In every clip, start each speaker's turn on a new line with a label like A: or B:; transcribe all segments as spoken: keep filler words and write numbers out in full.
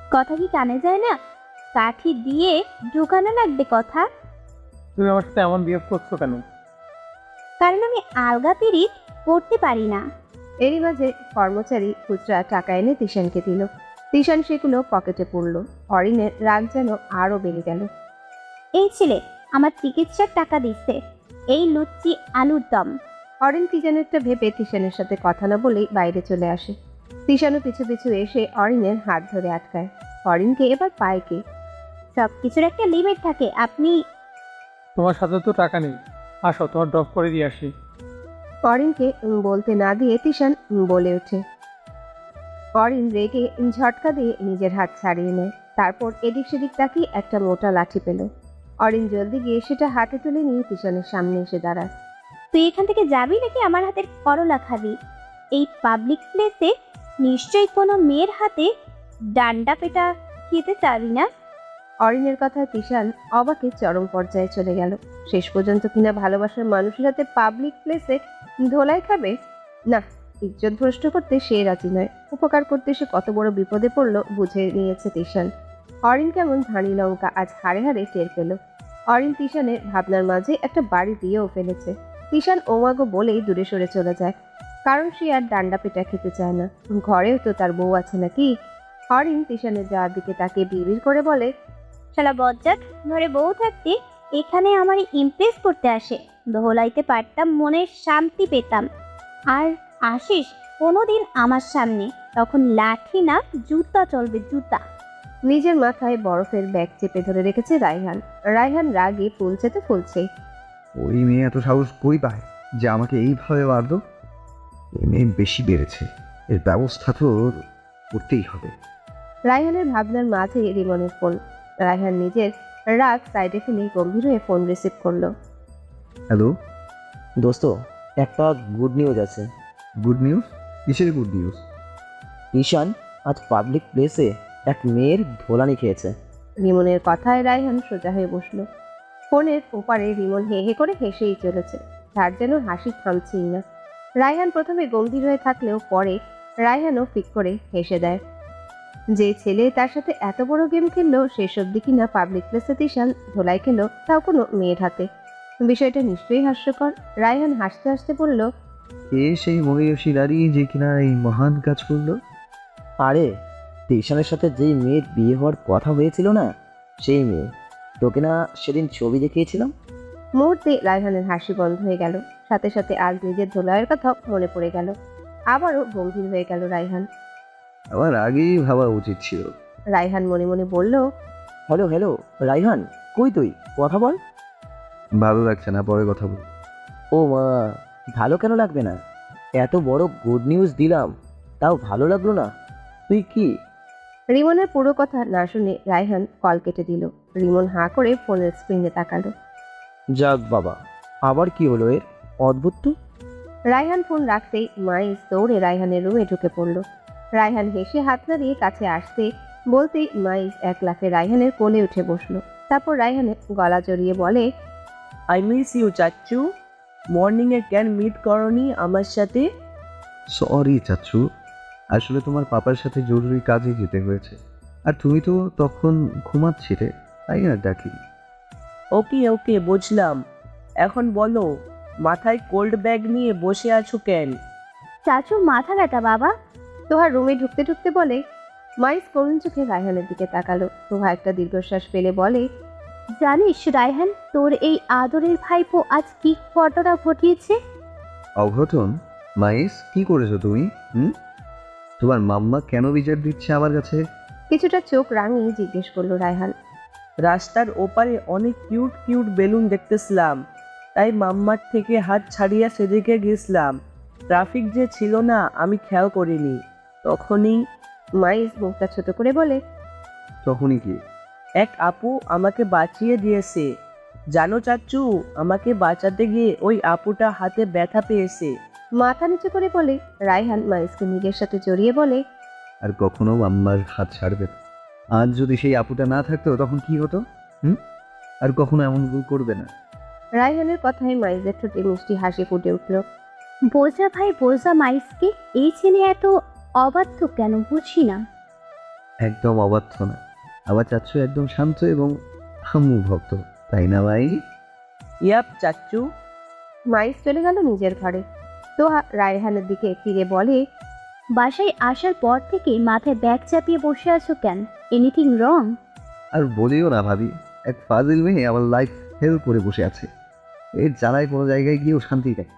A: কথা কি কানে যায় না? কাঠি দিয়ে ঢুকানো লাগবে কথা।
B: তুমি আমার সাথে এমন বিহেভ করছো কেন?
A: কারণ আমি আলগা পিরিত করতে পারি না।
C: এরই মাঝে কর্মচারী খুচরা টাকা এনে তিশানকে দিল। তিশান সেগুলো পকেটে পুরল। অরিনের রাগ যেন আরো বেড়ে গেল।
A: এই ছেলে আমার চিকিৎসার টাকা দিচ্ছে, এই লুচ্চি আলুর দম।
C: অরিন কি যেন একটা ভেবে তিশানের সাথে কথা না বলেই বাইরে চলে আসে। তিশানও পিছু পিছু এসে অরিনের হাত ধরে আটকায়। অরিনকে এবার পায় কে?
A: সব কিছুর একটা লিমিট থাকে। আপনি
B: তোমার সাথে তো টাকা নেই, আসো তোমার ড্রপ করে দিয়ে আসি।
C: অরিনকে উম বলতে না দিয়ে তিশান উম বলে ওঠে। অরিন রেগে ঝটকা দিয়ে নিজের হাত ছাড়িয়ে নেয়। তারপর এদিক সেদিক তাকিয়ে একটা মোটা লাঠি পেল। অরিন জলদি গিয়ে সেটা হাতে তুলে নিয়ে তিশানের সামনে এসে দাঁড়ায়।
A: তুই এখান থেকে যাবি নাকি আমার হাতের করলা খাবি? এই পাবলিক প্লেসে নিশ্চয়ই কোনো মেয়ের হাতে ডান্ডা পেটা খেতে চাবি না।
C: অরিনের কথায় তিশান অবাকে চরম পর্যায়ে চলে গেল। শেষ পর্যন্ত কিনা ভালোবাসার মানুষের হাতে পাবলিক প্লেসে ধোলাই খাবে? না, ইজ্জত ভ্রষ্ট করতে সে রাজি নয়। উপকার করতে সে কত বড় বিপদে পড়লো বুঝে নিয়েছে তিশান। অরিন কেমন ধানি লঙ্কা আজ হাড়ে হাড়ে টের পেল। অরিন তিশানের ভাবনার মাঝে একটা বাড়ি দিয়েও ফেলেছে। তিশান ওমাগো বলেই দূরে সরে চলে যায়, কারণ সে আর ডান্ডা পেটা খেতে চায় না। ঘরেও তো তার বউ আছে নাকি? অরিন তিশানের যাওয়ার দিকে তাকে বিড়বিড় করে বলে,
A: শালা বজ্জাত, ঘরে বউ থাকতে এখানে আমার ইমপ্রেস করতে আসে। দোহলাইতে পারতাম, মনের শান্তি পেতাম। আর আসিস কোনোদিন আমার সামনে, তখন লাঠি না জুতা চলবে, জুতা।
C: নিজের মাথায় বরফের ব্যাগ চেপে ধরে রেখেছে রায়হান। রায়হান রাগে ফুলছে তো ফুলছে।
D: ওই মেয়ে এত সাহস কই পায় যে আমাকে এইভাবে মারল? এই মেয়ে বেশি বেড়েছে, এর ব্যবস্থা তো করতেই হবে।
C: রায়হানের ভাবনার মাঝে রিমনের ফোন। রায়হান নিজের রাগ সাইডে ফেলে গম্ভীর হয়ে ফোন রিসিভ করলো।
D: হ্যালো,
E: দোস্ত, একটা গুড নিউজ আছে।
D: Good news? কিসের গুড নিউজ?
E: ঈশান আজ পাবলিক প্লেসে এক মেয়ের ধোলানি খেয়েছে।
C: রিমনের কথায় রায়হান সোজা হয়ে বসলো। ফোনের ওপারে রিমন হে হে করে হেসেই চলেছে। তার যেন হাসি থামছেই না। রায়হান প্রথমে গম্ভীর হয়ে থাকলেও পরে রায়হানও ফিক করে হেসে দেয়। যে ছেলে তার সাথে এত বড় গেম খেললো, শেষ অব্দি কিনা পাবলিক প্লেসে তিশান ধোলাই খেলো, তাও কোনো মেয়ের হাতে। বিষয়টা নিশ্চয়ই হাস্যকর। রায়হান হাসতে হাসতে বলল,
D: কে সেই মহিষী নারী যে কিনা এই মহান কাজ করলো?
E: আরে, ঈশানের সাথে যেই মেয়ের বিয়ে হওয়ার কথা হয়েছিল না, সেই মেয়ে। তোকে না সেদিন ছবি দেখিয়েছিলাম?
C: মুহূর্তে রায়হানের হাসি বন্ধ হয়ে গেল। সাথে সাথে আজ নিজের ধোলাইয়ের কথা মনে পড়ে গেল। আবারও গম্ভীর হয়ে গেল রায়হান।
D: আমার আগেই ভাবা উচিত ছিল।
C: রায়হান মনে মনে বলল,
E: হ্যালো হ্যালো রাইহান, কই তুই? কথা বল।
D: ভালো লাগছে না, পরে কথা বল।
E: ও মা, ভালো কেন লাগবে না? এত বড় গুড নিউজ দিলাম, তাও ভালো লাগলো না? তুই কি?
C: রিমনের পুরো কথা না শুনে রায়হান কল কেটে দিল। রিমন হাঁ করে ফোনের স্ক্রিনে তাকালো।
E: যাক বাবা, আবার কি হলো এর? অদ্ভুত তো।
C: রায়হান ফোন রাখতেই মাইস দৌড়ে রায়হানের রুমে ঢুকে পড়ল। রায়হান হেসে হাত নাড়িয়ে কাছে আসতে বলতেই মাইস এক লাফে রায়হানের কোলে উঠে বসলো। তারপর রায়হানের গলা জড়িয়ে বলে,
F: আই মিস ইউ চাচ্চু। মর্নিংয়ে ক্যান মিট করনি আমার সাথে?
D: সরি চাচ্ছু, আসলে তোমার পাপার সাথে জরুরি কাজে যেতে হয়েছে, আর তুমি তো তখন ঘুমাচ্ছিলে, তাই আর ডাকি।
F: ওকে ওকে, বুঝলাম। এখন বলো, মাথায় কোল্ড ব্যাগ নিয়ে বসে আছো কেন?
A: চাচু মাথা ব্যথা বাবা।
C: তোহা রুমে ঢুকতে ঢুকতে বলে। মাইস করুণ চোখে রায়হানের দিকে তাকালো। তোহা একটা দীর্ঘশ্বাস ফেলে বলে,
A: জানিস রায়হান, তোর এই আদরের ভাইপো আজ কি ঘটনা ঘটিয়েছে?
D: অঘটন? মাইস, কি করেছো তুমি? হুম, তোমার মাম্মা কেন বিচার দিচ্ছে আমার কাছে?
C: কিছুটা চোখ রাঙিয়ে জিজ্ঞেস করলো রায়হান।
F: রাস্তার ওপারে অনেক কিউট কিউট বেলুন দেখতেছিলাম, তাই মাম্মার থেকে হাত ছাড়িয়ে সেদিকে গেছিলাম। ট্রাফিক যে ছিল না, আমি খেয়াল করিনি। তখনই
C: মাইস মুখটা ছোট করে বলে,
D: তখনই কি?
F: এক আপু আমাকে বাঁচিয়ে দিয়েছে। জানো চাচ্চু, আমাকে বাঁচাতে গিয়ে ওই আপুটা হাতে ব্যথা পেয়েছে।
C: মাথা নিচু করে বলে। রায়হান মাইসকে নিজের সাথে জড়িয়ে বলে,
D: আর কখনো মাম্মার হাত ছাড়বে না। আজ যদি সেই আপুটা না থাকতো তখন কি হতো? হুম, আর কখনো এমন ভুল করবে না।
C: রায়হানের কথায় মাইজের ঠোঁটে মিষ্টি হাসি ফুটে উঠল।
A: বোঝা ভাই বোঝা মাইসকে। এই ছেলে এত অবাধ্য কেন বুঝি না।
D: একদম অবাধ্য না। আবার চাচ্ছু একদম শান্ত এবং আম্মু ভক্ত, তাই না ভাই?
F: ইয়াপ চাচ্চু।
C: মাইস চলে গেল নিজের ঘরে। তোহা রায়হানের দিকে ফিরে বলে,
A: বাসায় আসার পর থেকে মাথায় ব্যাগ চাপিয়ে বসে আছো কেন? Anything wrong?
D: আর বলিও না ভাবি, এক ফাজিল মেয়ে আমার লাইফ হেল করে বসে আছে। এর জ্বালায় কোনো জায়গায় গিয়েও শান্তি নেই।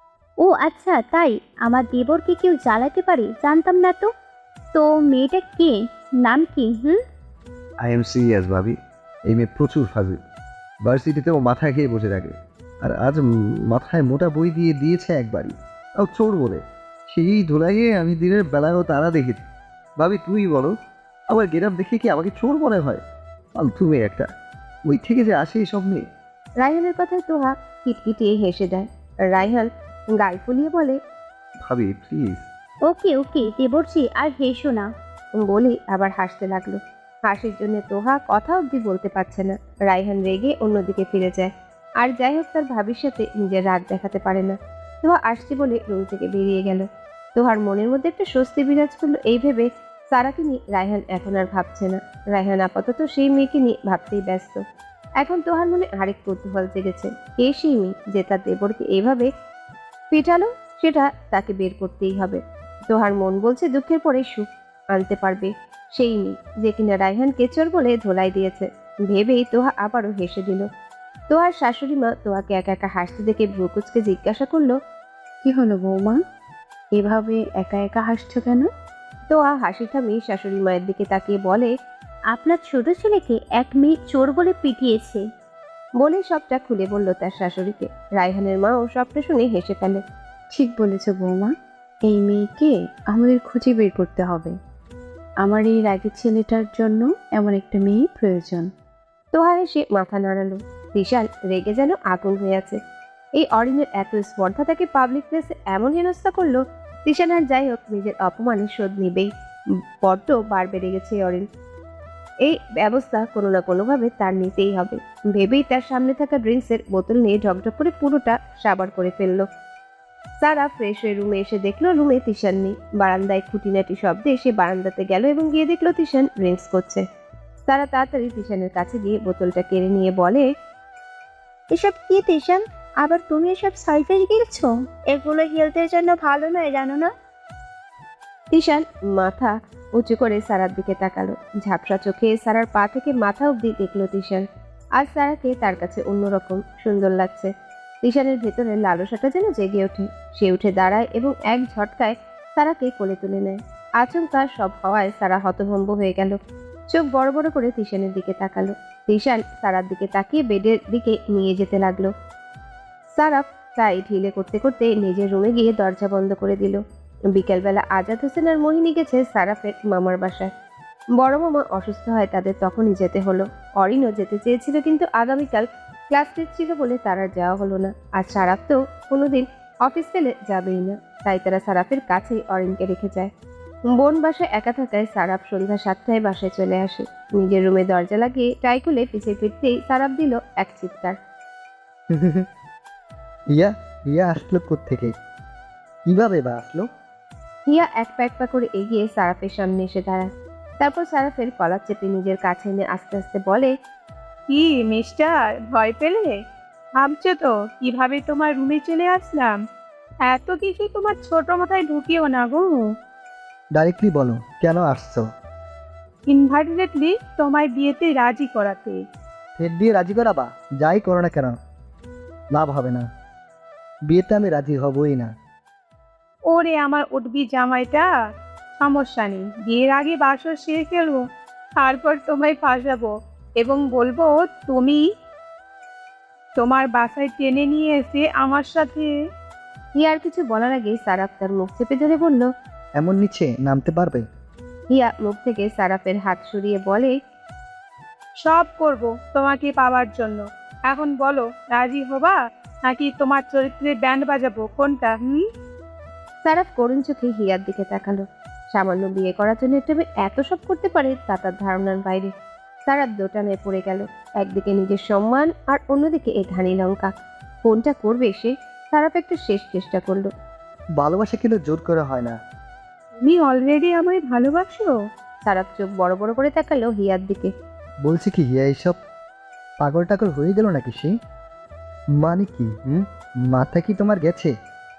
A: ও আচ্ছা, তাই? আমার দেবরকে কেউ জ্বালাতে পারে জানতাম না তো। তো মেয়েটা কে? নাম কি? হুম
D: আই এম সিরিয়াস ভাবি, এই মেয়ে প্রচুর ফাজিল। ভার্সিটিতেও মাথা খেয়ে বসে থাকে। আর আজ উম মাথায় মোটা বই দিয়ে দিয়েছে একবারই, তাও চোর বলে। সেই ধুলাইয়ে আমি দিনের বেলায়ও তারা দেখেছি। ভাবি তুই বলো, আমার গেরাম দেখে কি আমাকে চোর মনে হয়? ফালতু মেয়ে একটা, ওই থেকে যে আসে এসব মেয়ে।
C: রায়হানের কথায় তোহা কিটকিটিয়ে হেসে দেয়। রায়হান গাল ফুলিয়ে বলে,
D: ভাবি প্লিজ।
A: ওকে ওকে দেবরজি, আর হেসো না।
C: বলে আবার হাসতে লাগলো। হাসির জন্য তোহা কথা অবধি বলতে পারছে না। রায়হান রেগে অন্যদিকে ফিরে যায়। আর যাই হোক, তার ভাবির সাথে নিজের রাগ দেখাতে পারে না। তোহা আসছে বলে রুম থেকে বেরিয়ে গেল। তোহার মনের মধ্যে একটা স্বস্তি বিরাজ করলো এই ভেবে, সারাকে নিয়ে রায়হান এখন আর ভাবছে না। রায়হান আপাতত সেই মেয়েকে নিয়ে ভাবতেই ব্যস্ত। এখন তোহার মনে আরেক কৌতূহল জেগেছে, কে সেই মেয়ে যে তার দেবরকে এইভাবে পিটালো? সেটা তাকে বের করতেই হবে। তোহার মন বলছে দুঃখের পরে সুখ আনতে পারবে সেই মেয়ে যে কিনা রায়হানকে চোর বলে ধোলাই দিয়েছে। ভেবেই তোহা আবারও হেসে দিল। তোহার শাশুড়ি মা তোহাকে একা একা হাসতে দেখে ভ্রুকুচকে জিজ্ঞাসা করলো,
G: কি হলো বৌমা, এভাবে একা একা হাসছো কেন?
C: তোহা হাসি থামিয়ে শাশুড়ি মায়ের দিকে তাকিয়ে বলে,
A: আপনার ছোট ছেলেকে এক মেয়ে চোর বলে পিটিয়েছে।
C: বলে সবটা খুলে বলল তার শাশুড়িকে। রায়হানের মাও সবটা শুনে হেসে ফেলে।
G: ঠিক বলেছ বৌমা, এই মেয়েকে আমাদের খুঁজে বের করতে হবে। আমার এই রাগের ছেলেটার জন্য এমন একটা মেয়ে প্রয়োজন।
C: তোহা এসে মাথা নাড়ালো। বিশাল রেগে যেন আগুন হয়ে আছে। এই অরিনের এত স্পর্ধা তাকে পাবলিক প্লেসে এমন হেনস্থা করলো। তিশান আর যাই হোক নিজের অপমানের শোধ নিবেই। বড্ড বার বেড়ে গেছে এই অরিন। এই ব্যবস্থা কোনো না কোনোভাবে তার নিতেই হবে ভেবেই তার সামনে থাকা ড্রিঙ্কসের বোতল নিয়ে ঢকঢক করে পুরোটা সাবার করে ফেললো। সারা ফ্রেশ হয়ে রুমে এসে দেখলো রুমে তিশান নেই। বারান্দায় খুঁটিনাটি শব্দে সে বারান্দাতে গেল এবং গিয়ে দেখলো তিশান ড্রিঙ্কস করছে। সারা তাড়াতাড়ি তিশানের কাছে গিয়ে বোতলটা কেড়ে নিয়ে বলে,
A: এসব কি তিশান? আবার তুমি এসব সাইফেস গিলছো? এগুলো হেলথের জন্য ভালো নয়, জানো না?
C: তিশান মাথা উঁচু করে সারার দিকে তাকালো। ঝাপসা চোখে সারার পা থেকে মাথা অবধি দেখলো তিশান। আর সারাকে তার কাছে অন্যরকম সুন্দর লাগছে। তিশানের ভেতরে লালসাটা যেন জেগে ওঠে। সে উঠে দাঁড়ায় এবং এক ঝটকায় সারাকে কোলে তুলে নেয়। আচমকা সব হওয়ায় সারা হতভম্ব হয়ে গেল। চোখ বড় বড় করে তিশানের দিকে তাকালো। তিশান সারার দিকে তাকিয়ে বেডের দিকে নিয়ে যেতে লাগলো। সারা তাই ঢিলে করতে করতে নিজের রুমে গিয়ে দরজা বন্ধ করে দিল। বিকেলবেলা আজাদ হোসেন আর মোহিনী গেছে সারাফের মামার বাসায়। বড় মামা অসুস্থ হয়, তাদের তখনই যেতে হলো। অরিনও যেতে চেয়েছিল কিন্তু আগামীকাল ক্লাস টেস্ট ছিল বলে তার আর যাওয়া হলো না। আর সারাফ তো কোনোদিন অফিস পেলে যাবেই না, তাই তারা সারাফের কাছেই অরিনকে রেখে যায়। বোন বাসায় একা থাকায় সারাফ সন্ধ্যা সাতটায় বাসায় চলে আসে। নিজের রুমে দরজা লাগিয়ে টাই খুলে পিছিয়ে ফিরতেই সারাফ দিল এক চিৎকার।
H: ইয়া ইয়া আসলো কোত্থেকে, কিভাবে বা আসলো?
C: হিয়া এক পা এক পা করে এগিয়ে সারাফের সামনে এসে দাঁড়ায়। তারপর সারাফের কলার চেপে নিজের কাছে এনে আস্তে আস্তে বলে,
I: কি মিস্টার, ভয় পেলে? ভাবছো তো কিভাবে তোমার রুমে চলে আসলাম? এত কিছু তোমার ছোট মাথায় ঢুকিও না গো।
H: ডাইরেক্টলি বলো কেন আসছো?
I: ইনভাইটেডলি তোমায় বিয়েতে রাজি করাতে।
H: ফের দিয়ে রাজি করাবা? যাই করো না কেন, লাভ হবে না। বিয়েতে আমি রাজি হবই না।
I: ওরে আমার উঠবি জামাইটা, সমস্যা নেই, বিয়ের আগে বাসর সেরে ফেলবো, তারপর তোমায় ফাঁসাবো এবং বলবো তুমি তোমার বাসায় টেনে নিয়ে এসে আমার সাথে।
C: হিয়ার কিছু বলার আগে সারাফ তার মুখ চেপে ধরে বলল,
H: এমন নিচে নামতে পারবে?
C: হিয়া মুখ থেকে সারাফের হাত সরিয়ে বলে,
I: সব করব তোমাকে পাওয়ার জন্য। এখন বলো রাজি হবা নাকি তোমার চরিত্রে ব্যান্ড বাজাবো, কোনটা? হুম
C: সারাফ করুণ চোখে হিয়ার দিকে তাকালো। সামান্য বিয়ে করার জন্য একটা মেয়ে এত সব করতে পারে তা তার ধারণার বাইরে। সারাফ দোটানায় পড়ে গেল। একদিকে নিজের সম্মান আর অন্যদিকে এই ধানি লঙ্কা। কোনটা করবে সে? সারাফ একটা শেষ চেষ্টা করলো।
H: ভালোবাসা কিন্তু জোর করে হয় না।
I: তুমি অলরেডি আমায় ভালোবাসো?
C: সারাফ চোখ বড় বড় করে তাকালো হিয়ার দিকে।
H: বলছি কি হিয়া, এইসব পাগল টাগল হয়ে গেল নাকি সে? মানে কি হুম মাথা কি তোমার গেছে?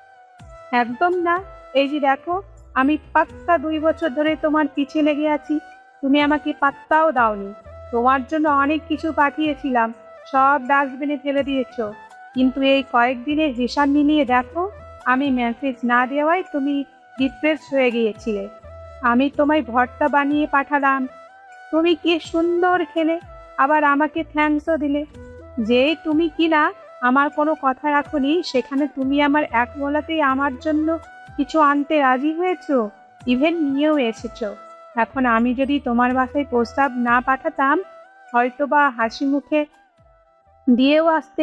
I: একদম না। এই যে দেখো, আমি পাক্কা দুই বছর ধরে তোমার পিছে লেগে আছি, তুমি আমাকে পাত্তাও দাওনি। তোমার জন্য অনেক কিছু পাঠিয়েছিলাম, সব ডাস্টবিনে ফেলে দিয়েছো। কিন্তু এই কয়েকদিনের হিসাব মিলিয়ে দেখো, আমি মেসেজ না দেওয়ায় তুমি ডিপ্রেস হয়ে গিয়েছিলে। আমি তোমায় ভর্তা বানিয়ে পাঠালাম, তুমি কি সুন্দর খেলে, আবার আমাকে থ্যাঙ্কসও দিলে। যে তুমি কিনা আমার কোনো কথা রাখোনি, সেখানে তুমি আমার এক বলাতেই আমার জন্য কিছু আনতে রাজি হয়েছো, ইভেন নিয়েও এসেছো। এখন আমি যদি তোমার বাসায় প্রস্তাব না পাঠাতাম, হয়তো বা হাসি মুখে দিয়েও আসতে।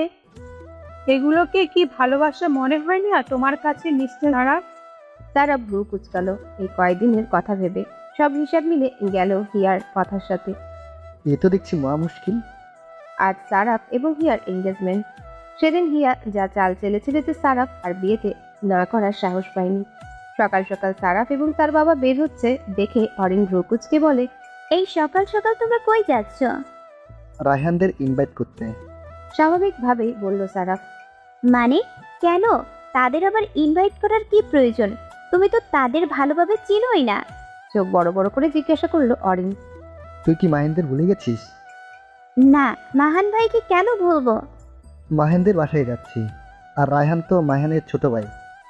I: এগুলোকে কি ভালোবাসা মনে হয় না তোমার কাছে নিশ্চয়? তারা
C: তারা ভ্রু কুচকালো এই কয়েকদিনের কথা ভেবে। সব হিসাব মিলে গেল হিয়ার কথার সাথে।
H: এ তো দেখছি মহা মুশকিল।
C: আজ সারাফ এবং হিয়ার এঙ্গেজমেন্ট। সেদিন হিয়া যা চাল চেলেছিল যে সারাফ আর বিয়েতে না করার সাহস পায়নি। সকাল সকাল সারাফ এবং তার বাবা বের হচ্ছে দেখে অরিন ভ্রু কুচকে বলে,
A: এই সকাল সকাল তোমরা কই যাচ্ছ?
H: রায়হানদের ইনভাইট করতে।
C: স্বাভাবিকভাবেই বলল সারাফ।
A: মানে কেন? তাদের আবার ইনভাইট করার কি প্রয়োজন? তুমি তো তাদের ভালোভাবে চিনোই না।
C: চোখ বড় বড় করে জিজ্ঞাসা করলো অরিন।
H: তুই কি মাহিনদের ভুলে গেছিস?
A: না, মাহান ভাইকে কেন ভুলবো?
H: মাহিনদের বাসায় যাচ্ছি, আর রায়হান তো মাহিনের ছোট ভাই।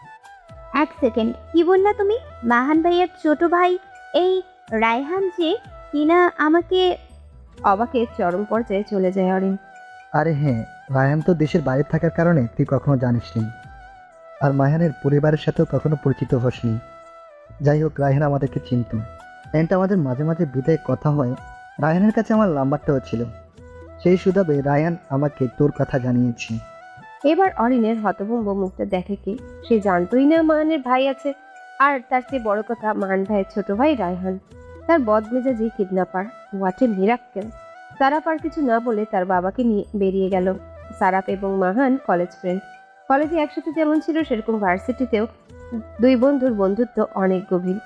A: এক সেকেন্ড, কি বললা তুমি? মাহান ভাইয়ের ছোট ভাই এই রায়হান যে কিনা আমাকে...
C: অবাকে চরম পর্যায়ে চলে যায় অরিন।
H: আরে হ্যাঁ, রায়হান তো দেশের বাইরে থাকার কারণে তুই কখনো জানিসনি, আর মাহিনের পরিবারের সাথেও কখনো পরিচিত হসনি। যাই হোক, রায়হান আমাদেরকে চিনত। এন্ড আমাদের মাঝে মাঝে বিদায় কথা হয়। রায়হানের কাছে আমার নাম্বারটাও ছিল, সেই সুবাদে রায়হান আমাকে তোর কথা জানিয়েছে।
C: এবার অরিনের হতভম্ব মুখটা দেখে কি, সে জানতোই না মাহানের ভাই আছে। আর তার চেয়ে বড় কথা, মাহান ভাইয়ের ছোট ভাই রায়হান, তার বদমেজাজি kidnapper. What a miracle! Saraf আর কিছু না বলে তার বাবাকে নিয়ে বেরিয়ে গেল। সারাফ এবং মাহান কলেজ ফ্রেন্ড। কলেজে একসাথে যেমন ছিল, সেরকম ভার্সিটিতেও দুই বন্ধুর বন্ধুত্ব অনেক গভীর।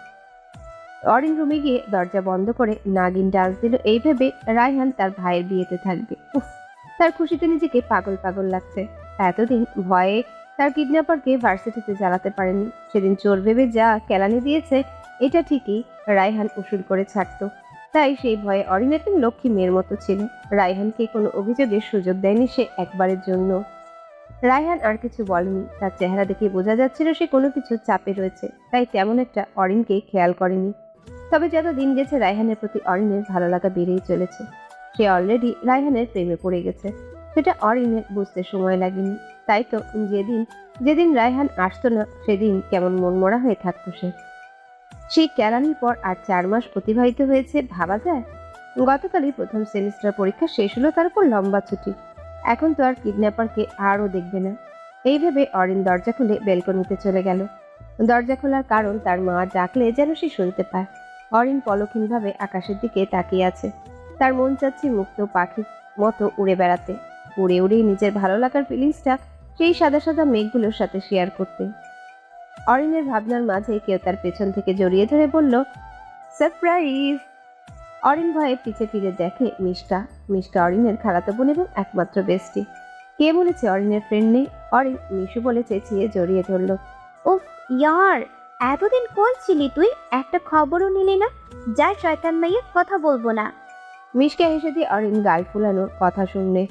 C: অরিন রুমে গিয়ে দরজা বন্ধ করে নাগিন ডান্স দিল এই ভেবে রায়হান তার ভাইয়ের বিয়েতে থাকবে। উফ, তার খুশিতে নিজেকে পাগল পাগল লাগছে। এতদিন ভয়ে তার কিডন্যাপারকে ভার্সিটিতে জ্বালাতে পারেনি। সেদিন চোর ভেবে যা কেলানি দিয়েছে, এটা ঠিকই রায়হান উসুল করে ছাড়তো। তাই সেই ভয়ে অরিন একজন লক্ষ্মী মেয়ের মতো ছিল। রায়হানকে কোনো অভিযোগের সুযোগ দেয়নি সে একবারের জন্য। রায়হান আর কিছু বলেনি, তার চেহারা দেখে বোঝা যাচ্ছিল সে কোনো কিছু চাপে রয়েছে, তাই তেমন একটা অরিনকে খেয়াল করেনি। তবে যত দিন গেছে রায়হানের প্রতি অরিনের ভালো লাগা বেড়েই চলেছে। সে অলরেডি রায়হানের প্রেমে পড়ে গেছে, সেটা অরিনের বুঝতে সময় লাগেনি। তাই তো যেদিন যেদিন রায়হান আসতো না, সেদিন কেমন মনমরা হয়ে থাকতো সে। সেই কেলানির পর আর চার মাস অতিবাহিত হয়েছে, ভাবা যায়। গতকালই প্রথম সেমিস্টার পরীক্ষা শেষ হলো, তারপর লম্বা ছুটি। এখন তো আর কিডন্যাপারকে আরও দেখবে না। এই ভেবে অরিন দরজা খুলে বেলকনিতে চলে গেল। দরজা খোলার কারণ, তার মা ডাকলে যেন সে শুনতে পায়। অরিন পলক্ষীনভাবে আকাশের দিকে তাকিয়ে আছে। তার মন চাচ্ছে মুক্ত পাখির মতো উড়ে বেড়াতে, উড়ে উড়েই নিজের ভালো লাগার ফিলিংসটা সেই সাদা সাদা মেঘগুলোর সাথে শেয়ার করতে। অরিনের ভাবনার মাঝে কেউ তার পেছন থেকে জড়িয়ে ধরে বলল, সারপ্রাইজ! অরিন ভয়ে পিছে ফিরে দেখে মিষ্টা। মিষ্টা অরিনের খালাতো বোন এবং একমাত্র বেস্টি। কে বলেছে অরিনের ফ্রেন্ড নেই? অরিন মিশু বলে চেঁচিয়ে জড়িয়ে ধরল।
A: উফ ইয়ার, এতদিন কই ছিলি তুই? একটা খবরও নিলি না? যা শয়তান মাইয়া, কথা বলবো না।
C: মিশকে হেসে দিয়ে অরিন গাল ফুলানোর কথা শুনলে।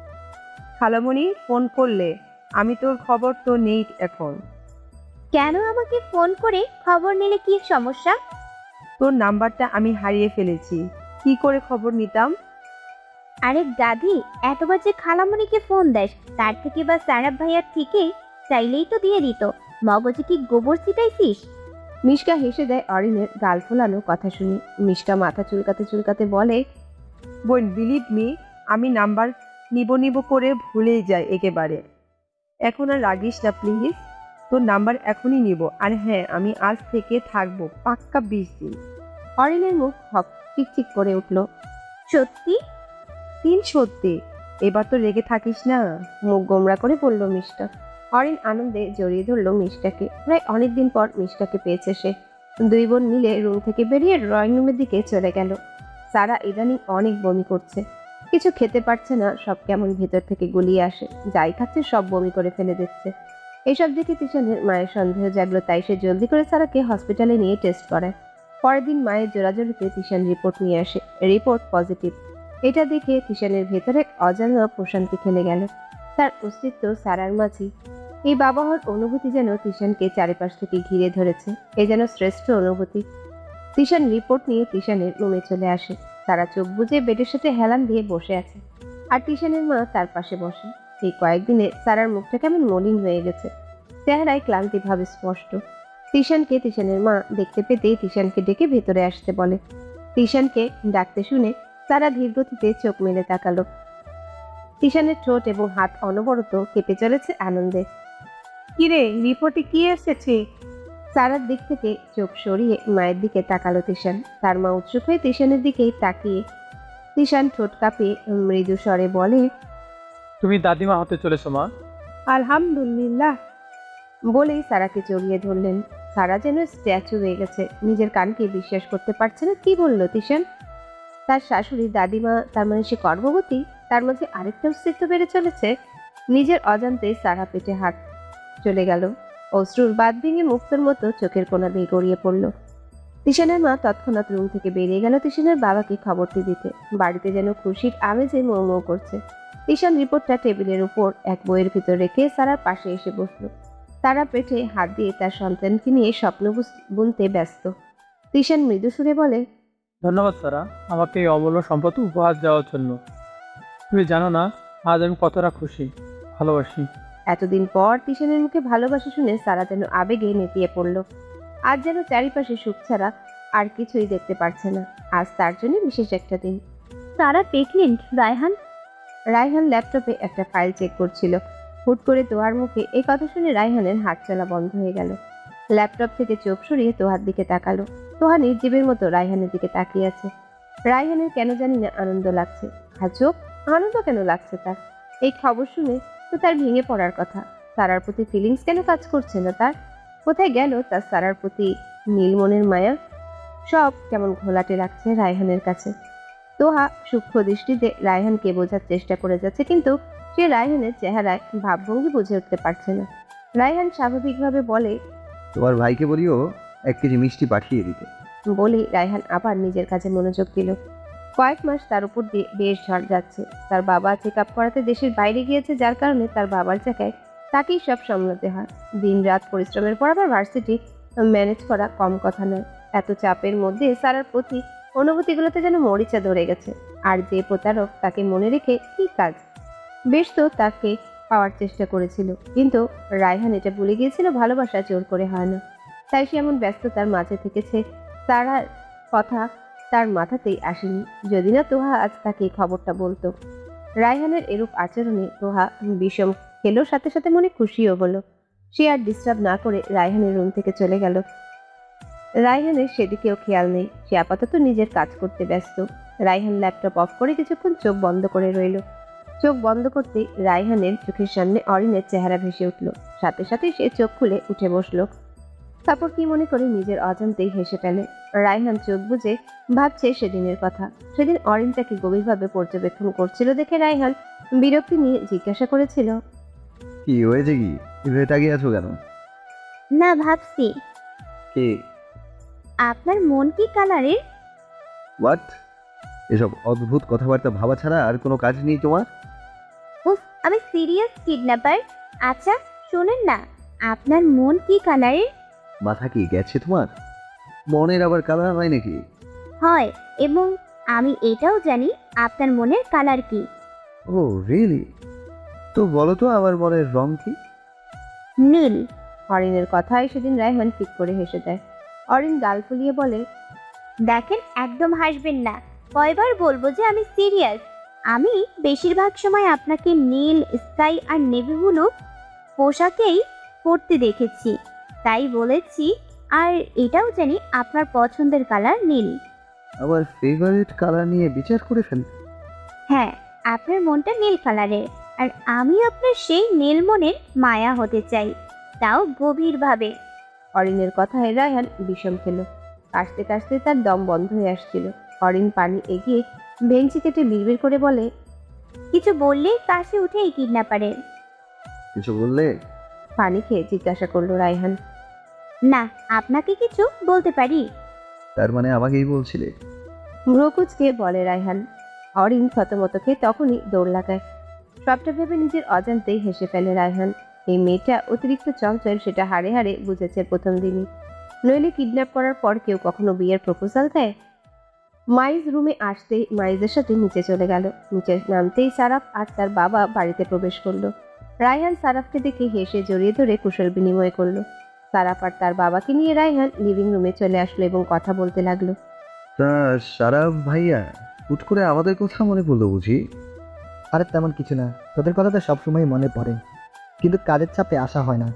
I: খালামণি ফোন করলে, আমি তোর খবর তো নেই এখন।
A: কেন আমাকে ফোন করে খবর নিলে কি সমস্যা?
I: তোর নাম্বারটা আমি হারিয়ে ফেলেছি, কি করে খবর নিতাম?
A: আরে গাধি, এতবার যে খালামণিকে ফোন দেস, তার থেকে বা সারাফ ভাইয়ার থেকে চাইলেই তো দিয়ে দিত। মগজে কি গোবর ছিটাইছিস?
C: মিশকা হেসে দেয় অরিনের গাল ফোলানো কথা শুনে। মিশকা মাথা চুলকাতে চুলকাতে বলে,
I: বোন, বিলিভ মি, আমি নাম্বার নিব নিব করে ভুলেই যাই একেবারে। এখন আর রাগিস না প্লিজ, তোর নাম্বার এখনই নিব। আর হ্যাঁ, আমি আজ থেকে থাকবো পাক্কা বিশ দিন।
C: অরিনের মুখ হক চিকচিক করে উঠল।
A: সত্যি?
I: তিন সত্যি, এবার তো রেগে থাকিস না।
C: মুখ গোমরা করে বলল মিষ্টা। অরিন আনন্দে জড়িয়ে ধরল মিষ্টাকে। প্রায় অনেকদিন পর মিষ্টাকে পেয়েছে সে। দুই বোন মিলে রুম থেকে বেরিয়ে ড্রয়িং রুমের দিকে চলে গেল। সারা ইদানিং অনেক বমি করছে, কিছু খেতে পারছে না, সব কেমন ভেতর থেকে গলিয়ে আসে, যাই খাচ্ছে সব বমি করে ফেলে দিচ্ছে। এইসব দেখে তিশানের মায়ের সন্দেহ জাগলো, তাই সে জলদি করে সারাকে হসপিটালে নিয়ে টেস্ট করায়। পরের দিন মায়ের জোরাজোরিতে তিশান রিপোর্ট নিয়ে আসে, রিপোর্ট পজিটিভ। এটা দেখে তিশানের ভেতরে অজানা প্রশান্তি খেলে গেল, তার অস্তিত্ব সারার মাঝে। এই বাবা হওয়ার অনুভূতি যেন তিশানকে চারিপাশ থেকে ঘিরে ধরেছে, এ যেন শ্রেষ্ঠ অনুভূতি। তিশান রিপোর্ট নিয়ে তিশানের রুমে চলে আসে। তারা চোখ বুজে বেডের সাথে হেলান দিয়ে বসে আছে, আর তিশানের মা তার পাশে বসে। এই কয়েকদিনে সারার মুখটা কেমন মলিন হয়ে গেছে, চেহারায় ক্লান্তি ভাবে স্পষ্ট। তিশানকে তিশানের মা দেখতে পেতেই তিশানকে ডেকে ভেতরে আসতে বলে। তিশানকে ডাকতে শুনে সারা ধীরগতিতে চোখ মেলে তাকালো। তিশানের ঠোঁট এবং হাত অনবরত কেঁপে চলেছে আনন্দে।
I: কিরে, রিপোর্টে কি এসেছে?
C: সারার দিক থেকে চোখ সরিয়ে মায়ের দিকে তাকালো তিশান। তার মা উৎসুক হয়ে তিশানের দিকেই তাকিয়ে তিশান ঠোঁট কাঁপিয়ে মৃদু স্বরে বলে,
B: তুমি দাদিমা হতে চলেছো মা।
I: আলহামদুলিল্লাহ।
C: বলেই সারাকে জড়িয়ে ধরলেন। সারা যেন স্ট্যাচু হয়ে গেছে, নিজের কানকে বিশ্বাস করতে পারছে না। কি বললো তিশান? তার শাশুড়ি দাদিমা, তার মানে সে গর্ভবতী? তার মাঝে আরেকটা অস্তিত্ব বেড়ে চলেছে। নিজের অজান্তে সারা পেটে হাত চলে গেল, অশ্রুর বাদ ভেঙে মুক্তর মতো চোখের কোণা দিয়ে গড়িয়ে পড়ল। তিশানের মা তৎক্ষণাৎ রুম থেকে বেরিয়ে গেল তিশানের বাবাকে খবরটি দিতে। বাড়িতে যেন খুশির আমেজে মৌ মৌ করছে। তিশান রিপোর্টটা টেবিলের উপর এক বইয়ের ভিতর রেখে সারার পাশে এসে বসল। তারা পেটে হাত দিয়ে তার সন্তানকে নিয়ে স্বপ্ন বুনতে ব্যস্ত। তিশান মৃদু সুরে বলে,
B: ধন্যবাদ সারা, আমাকে এই অমূল্য সম্পদ উপহার দেওয়ার জন্য। তুমি জানো না আজ আমি কতটা খুশি, ভালোবাসি।
C: এতদিন পর তিশানের মুখে ভালোবাসা শুনে সারা যেন আবেগে নেতিয়ে পড়ল। আজ যেন চারিপাশে সুখ ছাড়া আর কিছুই দেখতে পারছে না। আজ তার জন্য বিশেষ একটা দিন।
A: সারা প্রেগনেন্ট, রায়হান?
C: রায়হান ল্যাপটপে একটা ফাইল চেক করছিল। হুট করে তোহার মুখে এই কথা শুনে রায়হানের হাত চলা বন্ধ হয়ে গেল। ল্যাপটপ থেকে চোখ সরিয়ে তোহার দিকে তাকালো। তোহা নির্জীবের মতো রায়হানের দিকে তাকিয়ে আছে। রায়হানের কেন জানি না আনন্দ লাগছে। আজব আনন্দ কেন লাগছে তার? এই খবর শুনে তো তার ভেঙে পড়ার কথা। সারার প্রতি ফিলিংস কেন কাজ করছে না তার? কোথায় গেল তার সারার প্রতি নীল মনের মায়া? সব কেমন ঘোলাটে লাগছে রায়হানের কাছে। তোহা সূক্ষ্ম দৃষ্টিতে রায়হানকে বোঝার চেষ্টা করে যাচ্ছে, কিন্তু সে রায়হানের চেহারায় ভাবভঙ্গি বুঝে উঠতে পারছে না। রায়হান স্বাভাবিকভাবে বলে,
D: তোমার ভাইকে বলিও এক কেজি মিষ্টি পাঠিয়ে দিতে।
C: বলে রায়হান আবার নিজের কাজে মনোযোগ দিল। কয়েক মাস তার উপর দিয়ে বেশ ঝড় যাচ্ছে। তার বাবা চেক আপ করাতে দেশের বাইরে গিয়েছে, যার কারণে তার বাবার জায়গায় তাকেই সব সামলাতে হয়। দিন রাত পরিশ্রমের পর আবার ভার্সিটি ম্যানেজ করা কম কথা নয়। এত চাপের মধ্যে সারার প্রতি অনুভূতিগুলোতে যেন মরিচা ধরে গেছে। আর যে প্রতারক তাকে মনে রেখে কি কাজ? বেশ তো তাকে পাওয়ার চেষ্টা করেছিল, কিন্তু রায়হান এটা ভুলে গিয়েছিল ভালোবাসা জোর করে হয় না। তাই সে এমন ব্যস্ততার মাঝে থেকেছে, সারার কথা তার মাথাতেই আসেনি। যদি না তোহা আজ তাকে খবরটা বলতো। রায়হানের এরূপ আচরণে তোহা বিষম খেলো, সাথে সাথে মনে খুশিও হলো। সে আর ডিস্টার্ব না করে রায়হানের রুম থেকে চলে গেল। রায়হানের সেদিকেও খেয়াল নেই, সে আপাতত নিজের কাজ করতে ব্যস্ত। রায়হান ল্যাপটপ অফ করে কিছুক্ষণ চোখ বন্ধ করে রইল। চোখ বন্ধ করতে রায়হানের চোখের সামনে অরিনের চেহারা ভেসে উঠল। সাথে সাথে সে চোখ খুলে উঠে বসলো। তারপর কি মনে করে নিজের অজান্তেই হেসে ফেলে। রায়হান চোখ বুজে ভাবছে সেদিনের কথা। সেদিন অরিন তাকে গভীরভাবে পর্যবেক্ষণ করছিল দেখে রায়হান বিরক্তি নিয়ে জিজ্ঞাসা করেছিল,
D: কি হয়েছে? কি এভাবে তাকিয়ে আছো কেন?
A: না, ভাবছি
D: কে?
A: আপনার মন কি কালারের?
D: হোয়াট? এসব অদ্ভুত কথাবার্তা ভাবা ছাড়া আর কোনো কাজ নেই তোমার?
A: উফ, আমি সিরিয়াস কিডন্যাপার। আচ্ছা শোনেন না, আপনার মন কি কালারের?
D: মাথা কি গেছে তোমার? মনের আবার কালার হয় নাকি?
A: হয়, এবং আমি এটাও জানি আপনার মনের কালার কি।
D: Oh really? তো বলো তো আমার মনের রং কি?
A: নীল।
C: অরিনের কথায় সেদিন রায়হান ঠিক করে হেসে দেয়। অরিন গাল ফুলিয়ে বলে,
A: দেখেন, একদম হাসবেন না। কয়বার বলবো যে আমি সিরিয়াস। আমি বেশিরভাগ সময় আপনাকে নীল, স্কাই আর নেভি ব্লু পোশাকেই পরতে দেখেছি, তাই বলেছি। আর এটাও জানি আপনার পছন্দের কালার নীল।
D: আমার ফেভারিট কালার নিয়ে বিচার করে ফেল।
A: হ্যাঁ, আপনার মনটা নীল কালারের, আর আমি আপনার সেই নীল মনের মায়া হতে চাই, তাও গভীরভাবে।
C: অরিনের কথায় রায়হান বিষম খেল। কাশতে কাশতে তার দম বন্ধ হয়ে আসছিল। অরিন পানি এগিয়ে ভেঙচি কেটে বিড়বিড় করে বলে,
A: কিছু বললে কাশি উঠে এই কিডন্যাপারের।
D: কিছু বললে?
C: পানি খেয়ে জিজ্ঞাসা করলো রায়হান।
A: না, আপনাকে কিছু বলতে পারি?
D: তার মানে আমাকেই বলছিলে?
C: ভ্রকুচকে বলে রায়হান। অরিন থতমত খেয়ে তখনই দৌড় লাগায়। সবটা ভেবে নিজের অজান্তেই হেসে ফেলে রায়হান। এই মেয়েটা অতিরিক্ত চঞ্চল সেটা হাড়ে হাড়ে বুঝেছে প্রথম দিনই। নইলে কিডন্যাপ করার পর কেউ কখনো বিয়ের প্রপোজাল দেয়? মাইজ রুমে আসতেই মাইজের সাথে নিচে চলে গেল। নিচে নামতেই সারাফ আর তার বাবা বাড়িতে প্রবেশ করলো। রায়হান সারাফকে দেখে হেসে জড়িয়ে ধরে কুশল বিনিময় করলো। সারাফ আর তার বাবাকে নিয়ে রায়হান লিভিং রুমে চলে আসলো এবং কথা বলতে লাগলো।
D: তা সারাফ ভাইয়া, হুট করে আমাদের কথা মনে পড়লো বুঝি?
H: আরে তেমন কিছু না, তোদের কথা তো সবসময় মনে পড়ে, কিন্তু কাজের চাপে আসা হয় না।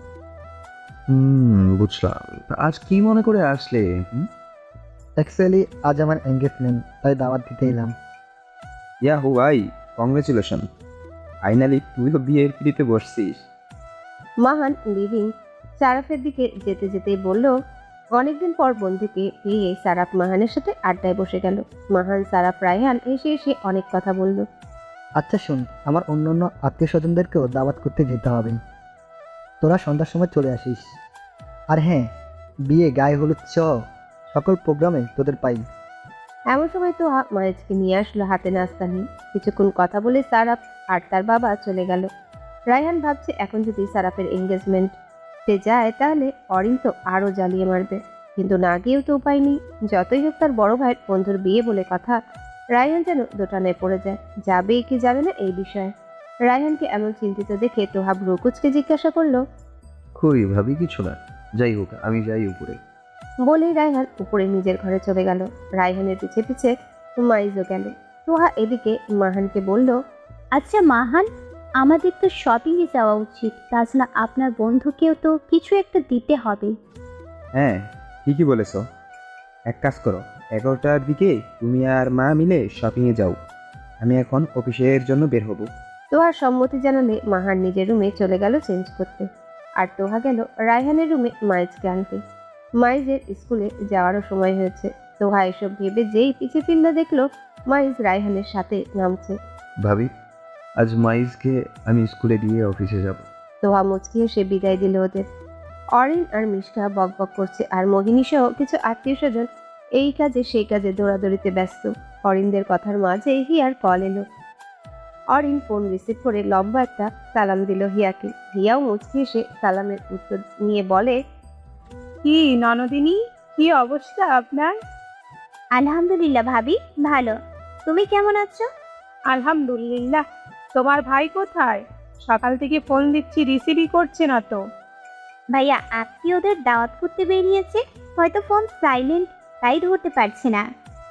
D: হুম, বুঝলাম। তা আজ কি মনে করে আসলে? হুম?
H: অ্যাকচুয়ালি আজ আমার এঙ্গেজমেন্ট, তাই দাওয়াত দিতে এলাম।
J: ইয়া হুয়াই, কংগ্রেচুলেশন, ফাইনালি তুইও বিয়ের পিড়িতে বসছিস।
C: মাহান লিভিং সারাফের দিকে যেতে যেতেই বলল। অনেকদিন পর বন্ধুকে পেয়ে সারাফ মাহানের সাথে আড্ডায় বসে গেল। মাহান সারাফ রায়হান এসে এসে অনেক কথা বলল।
H: আচ্ছা শোন, আমার অন্য অন্য আত্মীয় স্বজনদেরকেও দাওয়াত করতে যেতে হবে, তোরা সন্ধ্যার সময় চলে আসিস। আর হ্যাঁ, বিয়ে, গায়ে হলুদ চ সকল প্রোগ্রামে তোদের পাই।
C: এমন সময় তো মায়েজকে নিয়ে আসলো হাতে নাস্তা নিয়ে। কিছুক্ষণ কথা বলে সারাফ আর তার বাবা চলে গেল। রায়হান ভাবছে এখন যদি সারাফের এঙ্গেজমেন্টে যায় তাহলে অরিন তো আরও জ্বালিয়ে মারবে, কিন্তু না গিয়েও তো উপায় নেই। যতই হোক তার বড় ভাইয়ের বন্ধুর বিয়ে বলে কথা। রায়হান যেন দোটানায় পড়ে যায়, যাবে কি যাবে না এই বিষয়ে। রায়হানকে এমন চিন্তিত দেখে তোহা ভ্রকুচকে জিজ্ঞাসা করলো।
D: কই ভাবি, কিছু না, যাই হোক আমি যাই উপরে।
C: বলেই রায়হান উপরে নিজের ঘরে চলে গেল। রায়হানের পিছে পিছে মাইজও গেল। তোহা এদিকে মাহানকে বলল,
A: আচ্ছা মাহান, আমাদের তো শপিংয়ে যাওয়া উচিত, তাছাড়া আপনার বন্ধুকেও তো কিছু একটা দিতে হবে।
J: হ্যাঁ, ঠিকই বলেছ। এক কাজ করো, এগারোটার দিকে তুমি আর মা মিলে শপিংয়ে যাও, আমি এখন অফিসের জন্য বের হব।
C: তোহার সম্মতি জানালে মাহান নিজের রুমে চলে গেল চেঞ্জ করতে। আর তোহা গেল রায়হানের রুমে মাইজকে আনতে। মাইজের স্কুলে যাওয়ারও সময় হয়েছে। তোহা এসব ভেবে যেই পিছে ফিরলে দেখলো মাইজ রায়হানের সাথে নামছে।
D: ভাবি, আজ মাইজকে আমি স্কুলে দিয়ে অফিসে যাব।
C: তোহা মুচকি এসে বিদায় দিল ওদের। অরিন আর মিষ্টা বক বক করছে, আর মোহিনী সহ কিছু আত্মীয় স্বজন এই কাজে সেই কাজে দৌড়াদৌড়িতে ব্যস্ত। অরিনদের কথার মাঝে হিয়ার কল এলো। অরিন ফোন রিসিভ করে লম্বা একটা সালাম দিল হিয়াকে। হিয়াও মুচকি এসে সালামের উত্তর নিয়ে বলে,
I: কি ননদিনী, কি অবস্থা আপনার?
A: আলহামদুলিল্লাহ ভাবি, ভালো। তুমি কেমন আছো?
I: আলহামদুলিল্লাহ। তোমার ভাই কোথায়? সকাল থেকে ফোন দিচ্ছি, রিসিভই করছে না তো।
A: ভাইয়া আত্মীয়দের দাওয়াত করতে বেরিয়েছে, হয়তো ফোন সাইলেন্ট, তাই ধরতে পারছে না।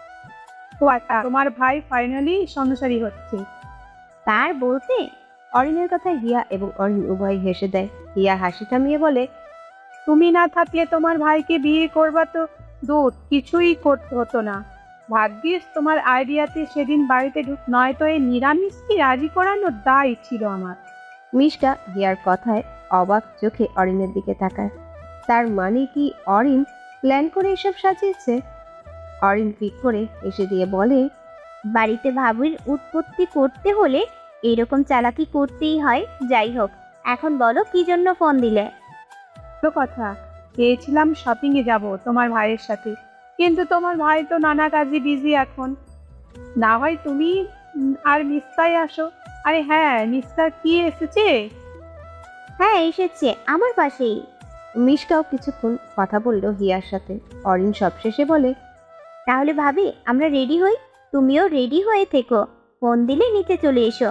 I: ও আচ্ছা, তোমার ভাই ফাইনালি সংসারী হচ্ছে।
A: তার বলতে
C: অরিনের কথায় হিয়া এবং অরিন উভয় হেসে দেয়। হিয়া হাসি থামিয়ে বলে,
I: তুমি না থাকলে তোমার ভাইকে বিয়ে করবা তো দূর, কিছুই করতে হতো না। ভাগ্যিস তোমার আইডিয়াতে সেদিন বাড়িতে ঢুক, নয়তো এই নিরামিষকে রাজি করানোর দায় ছিল আমার।
C: মিষ্টা হিয়ার কথায় অবাক চোখে অরিনের দিকে তাকায়। তার মানে কি অরিন প্ল্যান করে এসব সাজিয়েছে? অরিন ফিক করে এসে দিয়ে বলে,
A: বাড়িতে ভাবির উৎপত্তি করতে হলে এরকম চালাকি করতেই হয়। যাই হোক, এখন বলো কি জন্য ফোন দিলে?
I: তো কথা, চেয়েছিলাম শপিংয়ে যাব তোমার ভাইয়ের সাথে, কিন্তু তোমার ভাই তো নানা কাজে বিজি এখন। না হয় তুমি উম, আর মিস্তাই আসো। আরে হ্যাঁ, মিস্টার কি এসেছে?
A: হ্যাঁ এসেছে, আমার পাশেই।
C: মিষ্টাও কিছুক্ষণ কথা বললো হিয়ার সাথে। অরিন সবশেষে বলে,
A: তাহলে ভাবি আমরা রেডি হই, তুমিও রেডি হয়ে থেকো, ফোন দিলে নিতে চলে এসো।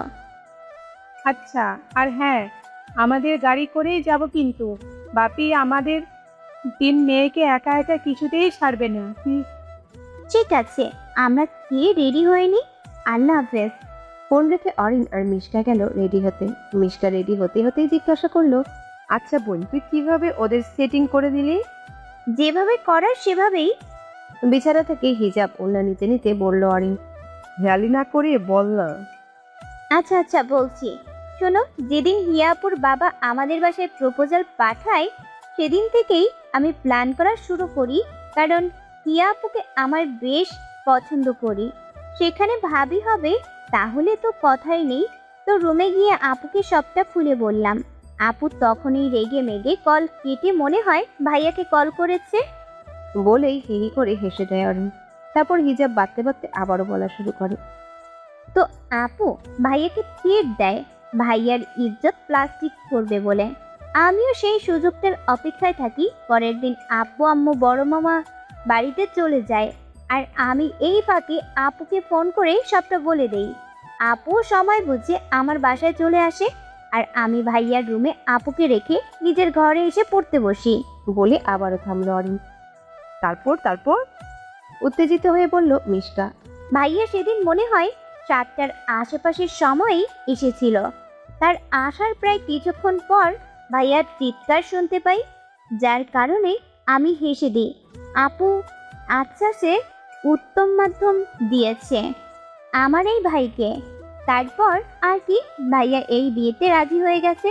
I: আচ্ছা, আর হ্যাঁ, আমাদের গাড়ি করেই যাব, কিন্তু বাপি আমাদের তিন মেয়েকে একা একা কিছুতেই ছাড়বে না। হুম,
A: ঠিক আছে, আমরা খেয়ে রেডি হয়নি। আল্লাহ হাফেজ।
C: ফোন রেখে অরিন আর মিষ্টা গেল রেডি হতে। মিষ্টা রেডি হতে হতেই জিজ্ঞাসা করলো, আচ্ছা বোন, তুই কিভাবে ওদের সেটিং করে দিলি?
A: যেভাবে করার সেভাবেই।
C: বিছানা থেকে হিজাব ওড়না নিতে নিতে বলল অরিন।
F: ভ্যালি না করে বল না।
A: আচ্ছা আচ্ছা বলছি, শোনো, যেদিন হিয়াপুর বাবা আমাদের বাসায় প্রপোজাল পাঠায় সেদিন থেকেই আমি প্ল্যান করা শুরু করি, কারণ হিয়া আপুকে আমার বেশ পছন্দ করি। সেখানে ভাবি হবে তাহলে তো কথাই নেই। তো রুমে গিয়ে আপুকে সবটা খুলে বললাম। আপু তখনই রেগে মেগে কল কেটে মনে হয় ভাইয়াকে কল করেছে।
C: বলেই হি হি করে হেসে দেয় অরিন। তারপর হিজাব বাঁধতে বাঁধতে আবারও বলা শুরু করে।
A: তো আপু ভাইয়াকে থ্রেট দেয় ভাইয়ার ইজ্জত প্লাস্টিক করবে বলে। আমিও সেই সুযোগটার অপেক্ষায় থাকি। পরের দিন আব্বু আম্মু বড় মামা বাড়িতে চলে যায়, আর আমি এই ফাঁকে আপুকে ফোন করে সবটা বলে দেই। আপু সময় বুঝে আমার বাসায় চলে আসে, আর আমি ভাইয়ার রুমে আপুকে রেখে নিজের ঘরে এসে পড়তে বসি।
C: বলে আবারও থামলো অরিন। তারপর তারপর উত্তেজিত হয়ে বলল মিষ্কা।
A: ভাইয়া সেদিন মনে হয় সাতটার আশেপাশের সময়ই এসেছিল। তার আসার প্রায় কিছুক্ষণ পর ভাইয়ার চিৎকার শুনতে পাই, যার কারণে আমি হেসে দিই। আপু আচ্ছা সে উত্তম মাধ্যম দিয়েছে আমার এই ভাইকে। তারপর আর কি, ভাইয়া এই বিয়েতে রাজি হয়ে গেছে।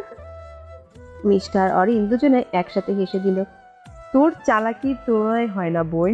C: মিষ্টা আর অরিন দুজনে একসাথে হেসে দিল।
F: তোর চালাকির তুলনায় হয় না বোন,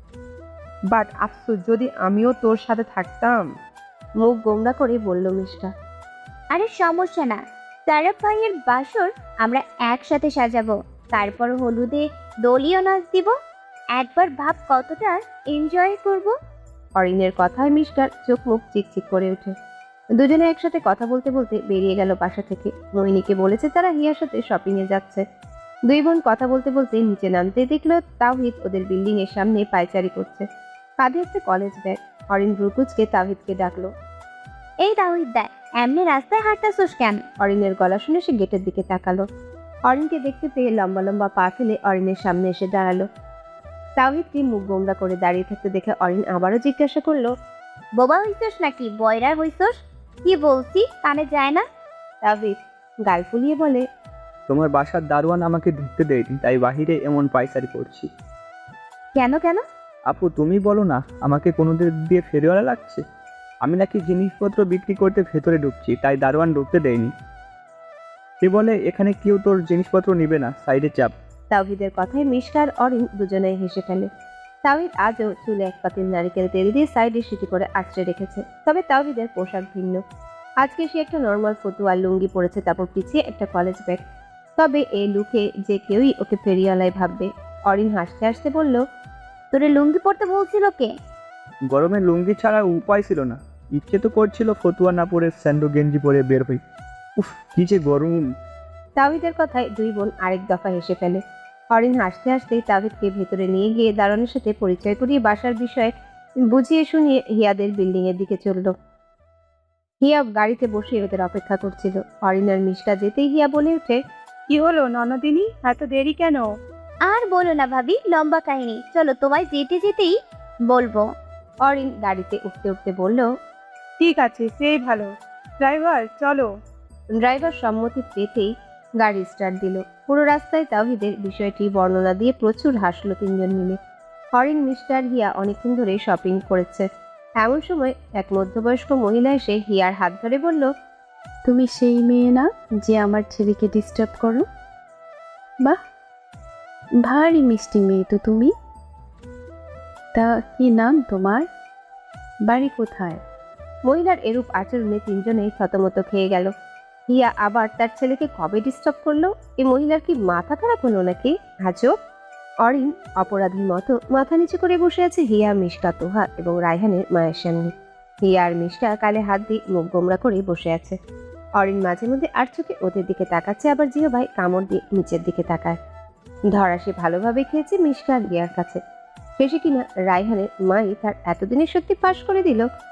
F: বাট আফসোস যদি আমিও তোর সাথে থাকতাম।
C: মুখ গোমড়া করে বলল মিষ্টা।
A: আরে সমস্যা না, সারাফ ভাইয়ের বাসর আমরা একসাথে সাজাবো, তারপর হলুদে দলীয় নাচ দিব। একবার ভাব কতটা এনজয় করব।
C: অরিনের কথায় মিষ্টার চোখ মুখ চিকচিক করে ওঠে। দুজনে একসাথে কথা বলতে বলতে বেরিয়ে গেল বাসা থেকে। মোহিনীকে বলেছে তারা হিয়ার সাথে শপিং এ যাচ্ছে। দুই বোন কথা বলতে বলতে নিচে নামতে দেখলো তাওহিদ ওদের বিল্ডিং এর সামনে পায়চারি করছে, কাঁধে একটা কলেজ ব্যাগ। অরিন ব্রুকুচকে তাওহিদকে ডাকলো।
A: এই তাওহিদ দা, এমনি রাস্তায় হাঁটতেছোস কেন?
C: অরিনের গলা শুনে সে গেটের দিকে তাকালো। অরিনকে দেখতে পেয়ে লম্বা লম্বা পা ফেলে অরিনের সামনে এসে দাঁড়ালো। তাওহিদকে মুখ গোমড়া করে দাঁড়িয়ে থাকতে দেখে অরিন আবারও জিজ্ঞাসা করলো,
A: বোবা হইছস নাকি বয়রা হইছস? কি বলছি কানে যায় না?
C: তাওহিদ গাল ফুলিয়ে বলে,
K: তোমার বাসার দারোয়ান আমাকে ঢুকতে দেয়নি, তাই বাহিরে এমন পায়চারি করছি।
A: কেন কেন?
K: আপু তুমি বলো না, আমাকে কোনোদের দিয়ে ফেরিওয়ালা লাগছে। আমি নাকি জিনিসপত্র বিক্রি করতে ভেতরে ঢুকছি, তাই দারোয়ান ঢুকতে দেয়নি। সে বলে এখানে কেউ তোর জিনিসপত্র নিবে না, সাইডে চাপ।
C: তাওহিদের কথায় মিষ্টা আর অরিন দুজনেই হেসে ফেলে। তাওহিদ আজও চুলে এক পাতিল নারিকেল তেল দিয়ে সাইডে সিটি করে আঁচড়ে রেখেছে। তবে তাওহিদের পোশাক ভিন্ন। আজকে সে একটা নর্মাল ফতুয়া লুঙ্গি পরেছে, তারপর পিছিয়ে একটা কলেজ ব্যাগ। তবে এই লুকে যে কেউই ওকে ফেরিওয়ালায় ভাববে। অরিন হাসতে হাসতে বলল,
A: তোরে লুঙ্গি পরতে বলছিল কে?
K: গরমে লুঙ্গি ছাড়া উপায় ছিল না, ইচ্ছে তো করছিল ফতুয়া না পরে স্যান্ডো গেঞ্জি পরে বের হই। উফ কি যে গরম।
C: তাওহিদের কথায় দুই বোন আরেক দফা হেসে ফেলে। অরিন হাসতে হাসতেই তাওহিদকে ভেতরে নিয়ে গিয়ে দারোয়ানের সাথে পরিচয় করিয়ে বাসার বিষয়ে বুঝিয়ে শুনিয়ে হিয়াদের বিল্ডিং এর দিকে চলল। হিয়া গাড়িতে বসে ওদের অপেক্ষা করছিল। অরিন আর মিষ্টা যেতেই হিয়া বলে ওঠে,
I: কি হলো ননদিনী, এত দেরি কেন?
A: আর বলো না ভাবি, লম্বা কাহিনী, চলো তোমায় যেতে যেতেই বলবো।
C: অরিন গাড়িতে উঠতে উঠতে বলল,
I: ঠিক আছে, সেই ভালো। ড্রাইভার চলো।
C: ড্রাইভার সম্মতি পেতেই গাড়ি স্টার্ট দিল। পুরো রাস্তায় তাওহিদের বিষয়টি বর্ণনা দিয়ে প্রচুর হাসলো তিনজন মিলে। অরিন মিস্টার হিয়া অনেকক্ষণ ধরে শপিং করেছে। এমন সময় এক মধ্যবয়স্ক মহিলা এসে হিয়ার হাত ধরে বলল,
G: তুমি সেই মেয়ে না যে আমার ছেলেকে ডিস্টার্ব করো? বাহ, ভারী মিষ্টি মেয়ে তো তুমি। তা কি নাম তোমার? বাড়ি কোথায়?
C: মহিলার এরূপ আচরণে তিনজনেই থতমত খেয়ে গেল। হিয়া আবার তার ছেলেকে কবে ডিস্টার্ব করলো? এই মহিলার কি মাথা খারাপ হলো নাকি? আজব। অরিন অপরাধীর মতো মাথা নিচু করে বসে আছে হিয়া, মিষ্টা, তোহা এবং রায়হানের মায়ের সামনে। হিয়া আর মিষ্টা কালে হাত দিয়ে মুখ গোমরা করে বসে আছে। অরিন মাঝে মধ্যে আর চোখে ওদের দিকে তাকাচ্ছে, আবার জিও ভাই কামড় দিয়ে নিচের দিকে তাকায়। ধরা সে ভালোভাবে খেয়েছে মিষ্টা আর হিয়ার কাছে। শেষে কিনা রায়হানের মাই তার এতদিনের সত্যি ফাঁস করে দিল।